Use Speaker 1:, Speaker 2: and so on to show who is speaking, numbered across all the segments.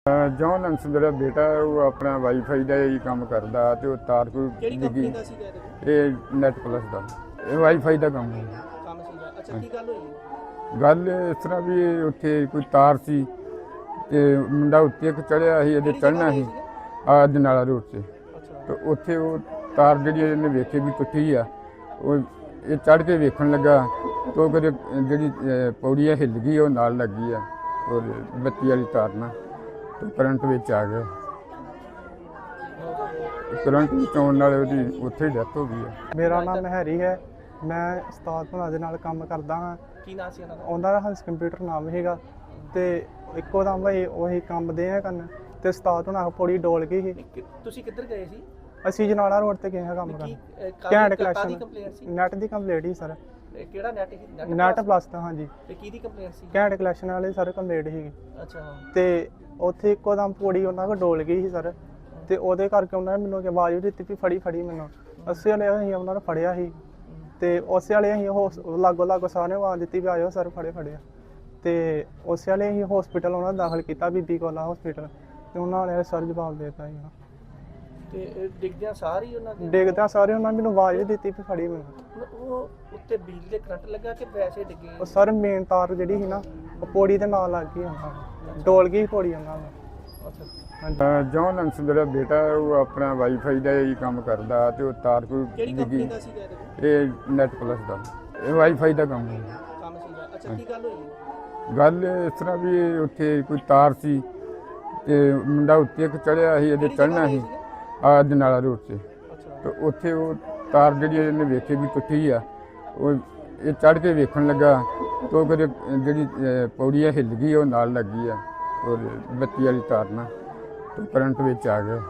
Speaker 1: John ਅੰਸ ਮੇਰਾ ਬੇਟਾ ਉਹ ਆਪਣਾ ਵਾਈਫਾਈ ਦਾ ਹੀ ਕੰਮ ਕਰਦਾ ਤੇ ਉਹ ਤਾਰ ਕੋਈ
Speaker 2: ਕਿਹੜੀ ਕੰਪਨੀ ਦਾ ਸੀਗਾ ਇਹ?
Speaker 1: ਇਹ ਨੈਟ ਪਲੱਸ ਦਾ ਇਹ ਵਾਈਫਾਈ ਦਾ ਕੰਮ ਹੈ।
Speaker 2: ਕੰਮ ਸੀਗਾ। ਅੱਛਾ, ਕੀ ਗੱਲ ਹੋਈ?
Speaker 1: ਗੱਲ ਇਸ ਤਰ੍ਹਾਂ ਵੀ ਉੱਥੇ ਕੋਈ ਤਾਰ ਸੀ ਤੇ ਮੁੰਡਾ ਉੱਤੇ ਇੱਕ ਚੜਿਆ ਸੀ, ਇਹਦੇ ਚੜ੍ਹਨਾ ਸੀ ਜਨਾਲਾ ਰੋਡ 'ਤੇ।
Speaker 2: ਅੱਛਾ,
Speaker 1: ਤੇ ਉੱਥੇ ਉਹ ਤਾਰ ਜਿਹੜੀ ਇਹਨੇ ਵੇਖੀ ਵੀ ਟੁੱਟੀ ਆ, ਉਹ ਇਹ ਚੜ੍ਹ ਕੇ ਵੇਖਣ ਲੱਗਾ ਤਾਂ ਉਹ ਕਦੇ ਜਿਹੜੀ ਪੌੜੀ ਆ ਹਿੱਲ ਗਈ, ਉਹ ਨਾਲ ਲੱਗੀ ਆ ਔਰ ਬੱਤੀ ਵਾਲੀ ਤਾਰ ਨਾਲ ਤੇ ਕਰੰਟ ਵਿੱਚ ਆ ਗਿਆ। ਕਰੰਟ ਵਿੱਚ ਆਉਣ ਨਾਲ ਉਹਦੀ ਉੱਥੇ ਹੀ ਡੈਥ ਹੋ ਗਈ ਹੈ।
Speaker 3: ਮੇਰਾ ਨਾਮ ਹੈਰੀ ਹੈ। ਮੈਂ ਉਸਤਾਦ ਭੁਨਾ ਦੇ ਨਾਲ ਕੰਮ ਕਰਦਾ ਹਾਂ।
Speaker 2: ਕੀ ਨਾਂ ਸੀ ਉਹਨਾਂ ਦਾ?
Speaker 3: ਉਹਨਾਂ ਦਾ ਹੰਸ ਕੰਪਿਊਟਰ ਨਾਮ ਹੈਗਾ ਤੇ ਇੱਕੋ ਦਮ ਭਾਈ ਉਹੀ ਕੰਮ ਦੇ ਆ ਕਰਨ ਤੇ ਉਸਤਾਦ ਭੁਨਾ ਪੌੜੀ ਡੋਲ ਗਈ ਸੀ।
Speaker 2: ਤੁਸੀਂ ਕਿੱਧਰ ਗਏ ਸੀ?
Speaker 3: ਅਸੀਂ ਜਨਾਲਾ ਰੋਡ ਤੇ ਗਏ ਹਾਂ ਕੰਮ ਕਰਨ।
Speaker 2: ਕਾਹਦੀ
Speaker 3: ਕਲੈਕਸ਼ਨ
Speaker 2: ਕੰਪਲੇਂਟ ਸੀ?
Speaker 3: ਨੈਟ ਦੀ ਕੰਪਲੀਟ ਹੀ ਸਰ।
Speaker 2: ਕਿਹੜਾ ਨੈਟ ਸੀ?
Speaker 3: ਨੈਟ ਪਲੱਸ ਦਾ ਹਾਂਜੀ।
Speaker 2: ਤੇ ਕਿਹਦੀ ਕੰਪਲੇਂਟ ਸੀ?
Speaker 3: ਘੈਂਟ ਕਲੈਕਸ਼ਨ ਵਾਲੇ ਸਰ ਕੰਪਲੀਟ ਸੀਗੀ
Speaker 2: ਅੱਛਾ,
Speaker 3: ਤੇ ਉੱਥੇ ਇੱਕੋ ਦਮ ਪੌੜੀ ਉਹਨਾਂ ਕੋਲ ਡੋਲ ਗਈ ਸੀ ਸਰ। ਤੇ ਉਹਦੇ ਕਰਕੇ ਉਹਨਾਂ ਨੇ ਮੈਨੂੰ ਆਵਾਜ਼ ਵੀ ਦਿੱਤੀ ਵੀ ਫੜੀ ਮੈਨੂੰ। ਅਸੀਂ ਵਾਲੇ ਅਸੀਂ ਉਹਨਾਂ ਨੂੰ ਫੜਿਆ ਸੀ ਤੇ ਉਸੇ ਵਾਲੇ ਅਸੀਂ ਲਾਗੋ ਸਾਰਿਆਂ ਨੂੰ ਆਵਾਜ਼ ਦਿੱਤੀ ਵੀ ਆਇਓ ਸਰ ਫੜਿਆ। ਤੇ ਉਸੇ ਵਾਲੇ ਅਸੀਂ ਹਸਪੀਟਲ ਉਹਨਾਂ ਨੂੰ ਦਾਖਲ ਕੀਤਾ, ਬੀਬੀ ਕੋਲਾ ਹਸਪੀਟਲ। ਤੇ ਉਹਨਾਂ ਵਾਲੇ ਸਰ ਜਵਾਬ ਦੇ ਦਿੱਤਾ ਸੀ।
Speaker 2: ਤੇ ਡਿੱਗਦਿਆਂ ਸਾਰ ਹੀ ਉਹਨਾਂ ਦੇ
Speaker 3: ਡਿੱਗਦਿਆਂ ਸਾਰੇ ਉਹਨਾਂ ਮੈਨੂੰ ਆਵਾਜ਼ ਵੀ ਦਿੱਤੀ ਵੀ ਫੜੀ ਮੈਨੂੰ।
Speaker 2: ਉਹ ਉੱਤੇ ਬਿਜਲੀ ਦੇ ਕਰੰਟ ਲੱਗਾ ਕਿ ਵੈਸੇ ਡਿੱਗੇ?
Speaker 3: ਉਹ ਸਰ ਮੇਨ ਤਾਰ ਜਿਹੜੀ ਸੀ ਨਾ ਉਹ ਪੌੜੀ ਦੇ ਨਾਲ ਲੱਗ ਗਈ ਉਹਨਾਂ ਨੂੰ, ਡੋਲ ਗਈ ਪੌੜੀ ਉਹਨਾਂ ਨੂੰ।
Speaker 2: ਅੱਛਾ,
Speaker 3: ਹਾਂਜੀ।
Speaker 1: ਜੌਨ ਅੰਸ ਮੇਰਾ ਬੇਟਾ ਉਹ ਆਪਣਾ ਵਾਈਫਾਈ ਦਾ ਹੀ ਕੰਮ ਕਰਦਾ ਤੇ ਉਹ ਤਾਰ ਕੋਈ
Speaker 2: ਕਿਹੜੀ ਕੰਪਨੀ
Speaker 1: ਡਿੱਗੀ।
Speaker 2: ਦਾ ਸੀਗਾ ਇਹ?
Speaker 1: ਇਹ ਨੈਟ ਪਲੱਸ ਦਾ ਇਹ ਵਾਈਫਾਈ ਦਾ ਕੰਮ ਹੈ।
Speaker 2: ਕੰਮ ਸੀਗਾ। ਅੱਛਾ, ਕੀ ਗੱਲ ਹੋਈ?
Speaker 1: ਗੱਲ ਇਸ ਤਰ੍ਹਾਂ ਵੀ ਉੱਥੇ ਕੋਈ ਤਾਰ ਸੀ ਤੇ ਮੁੰਡਾ ਉੱਤੇ ਇੱਕ ਚੜਿਆ ਸੀ, ਇਹਦੇ ਚੜ੍ਹਨਾ ਸੀ ਜਨਾਲਾ ਰੋਡ 'ਤੇ।
Speaker 2: ਅੱਛਾ,
Speaker 1: ਤੇ ਉੱਥੇ ਉਹ ਤਾਰ ਜਿਹੜੀ ਇਹਨੇ ਵੇਖੀ ਵੀ ਟੁੱਟੀ ਆ, ਉਹ ਇਹ ਚੜ੍ਹ ਕੇ ਵੇਖਣ ਲੱਗਾ ਤਾਂ ਉਹ ਕਦੇ ਜਿਹੜੀ ਪੌੜੀ ਆ ਹਿੱਲ ਗਈ, ਉਹ ਨਾਲ ਲੱਗੀ ਆ ਔਰ ਬੱਤੀ ਵਾਲੀ ਤਾਰ ਨਾਲ ਤੇ ਕਰੰਟ ਵਿੱਚ ਆ ਗਿਆ।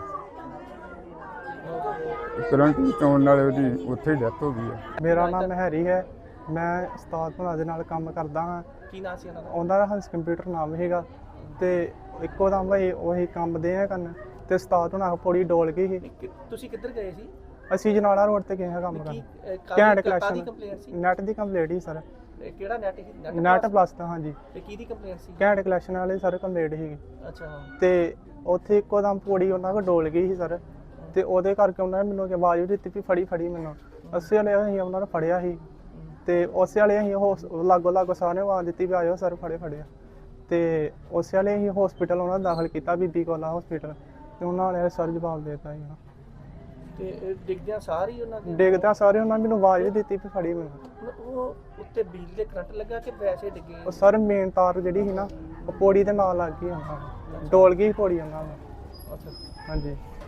Speaker 1: ਕਰੰਟ ਵਿੱਚ ਆਉਣ ਨਾਲ ਉਹਦੀ ਉੱਥੇ ਹੀ ਡੈਥ ਹੋ ਗਈ ਹੈ।
Speaker 3: ਮੇਰਾ ਨਾਮ ਹੈਰੀ ਹੈ। ਮੈਂ ਉਸਤਾਦ ਭੁਨਾ ਦੇ ਨਾਲ ਕੰਮ ਕਰਦਾ ਹਾਂ।
Speaker 2: ਕੀ ਨਾਂ ਸੀ ਉਹਨਾਂ ਦਾ?
Speaker 3: ਉਹਨਾਂ ਦਾ ਹੰਸ ਕੰਪਿਊਟਰ ਨਾਮ ਹੈਗਾ ਤੇ ਇੱਕੋ ਦਮ ਭਾਈ ਉਹੀ ਕੰਮ ਦੇ ਆ ਕਰਨ ਤੇ ਉਸਤਾਦ ਭੁਨਾ ਪੌੜੀ ਡੋਲ ਗਈ ਸੀ।
Speaker 2: ਤੁਸੀਂ ਕਿੱਧਰ ਗਏ ਸੀ?
Speaker 3: ਅਸੀਂ ਜਨਾਲਾ ਰੋਡ ਤੇ ਗਏ ਹਾਂ ਕੰਮ ਕਰਨ। ਘੈਂਟ
Speaker 2: ਕਾਹਦੀ
Speaker 3: ਕਲੈਕਸ਼ਨ
Speaker 2: ਕੰਪਲੇਂਟ ਸੀ?
Speaker 3: ਨੈਟ ਦੀ ਕੰਪਲੀਟ ਹੀ ਸਰ।
Speaker 2: ਕਿਹੜਾ ਨੈਟ ਸੀ?
Speaker 3: ਨੈਟ ਪਲੱਸ ਦਾ ਹਾਂਜੀ।
Speaker 2: ਤੇ ਕਿਹਦੀ ਕੰਪਲੇਂਟ ਸੀ?
Speaker 3: ਘੈਂਟ ਕਲੈਕਸ਼ਨ ਵਾਲੇ ਸਰ ਕੰਪਲੀਟ ਸੀਗੀ
Speaker 2: ਅੱਛਾ,
Speaker 3: ਤੇ ਉੱਥੇ ਇੱਕੋ ਦਮ ਪੌੜੀ ਉਹਨਾਂ ਕੋਲ ਡੋਲ ਗਈ ਸੀ ਸਰ। ਤੇ ਉਹਦੇ ਕਰਕੇ ਉਹਨਾਂ ਨੇ ਮੈਨੂੰ ਆਵਾਜ਼ ਵੀ ਦਿੱਤੀ ਵੀ ਫੜੀ ਮੈਨੂੰ। ਅਸੀਂ ਵਾਲੇ ਅਸੀਂ ਉਹਨਾਂ ਨੂੰ ਫੜਿਆ ਸੀ ਤੇ ਉਸੇ ਵਾਲੇ ਅਸੀਂ ਲਾਗੋ ਸਾਰਿਆਂ ਨੂੰ ਆਵਾਜ਼ ਦਿੱਤੀ ਵੀ ਆਇਓ ਸਰ ਫੜਿਆ। ਤੇ ਉਸੇ ਵਾਲੇ ਅਸੀਂ ਹਸਪੀਟਲ ਉਹਨਾਂ ਨੂੰ ਦਾਖਲ ਕੀਤਾ, ਬੀਬੀ ਕੋਲਾ ਹਸਪੀਟਲ। ਤੇ ਉਹਨਾਂ ਵਾਲੇ ਸਰ ਜਵਾਬ ਦੇ ਦਿੱਤਾ ਸੀ।
Speaker 2: ਤੇ ਡਿੱਗਦਿਆਂ ਸਾਰ ਹੀ ਉਹਨਾਂ ਦੇ
Speaker 3: ਡਿੱਗਦਿਆਂ ਸਾਰੇ ਉਹਨਾਂ ਮੈਨੂੰ ਆਵਾਜ਼ ਵੀ ਦਿੱਤੀ ਵੀ ਫੜੀ ਮੈਨੂੰ।
Speaker 2: ਉਹ ਉੱਤੇ ਬਿਜਲੀ ਦੇ ਕਰੰਟ ਲੱਗਾ ਕਿ ਵੈਸੇ ਡਿੱਗੇ?
Speaker 3: ਉਹ ਸਰ ਮੇਨ ਤਾਰ ਜਿਹੜੀ ਸੀ ਨਾ ਉਹ ਪੌੜੀ ਦੇ ਨਾਲ ਲੱਗ ਗਈ ਉਹਨਾਂ ਨੂੰ, ਡੋਲ ਗਈ ਪੌੜੀ ਉਹਨਾਂ ਨੂੰ।
Speaker 2: ਅੱਛਾ,
Speaker 3: ਹਾਂਜੀ।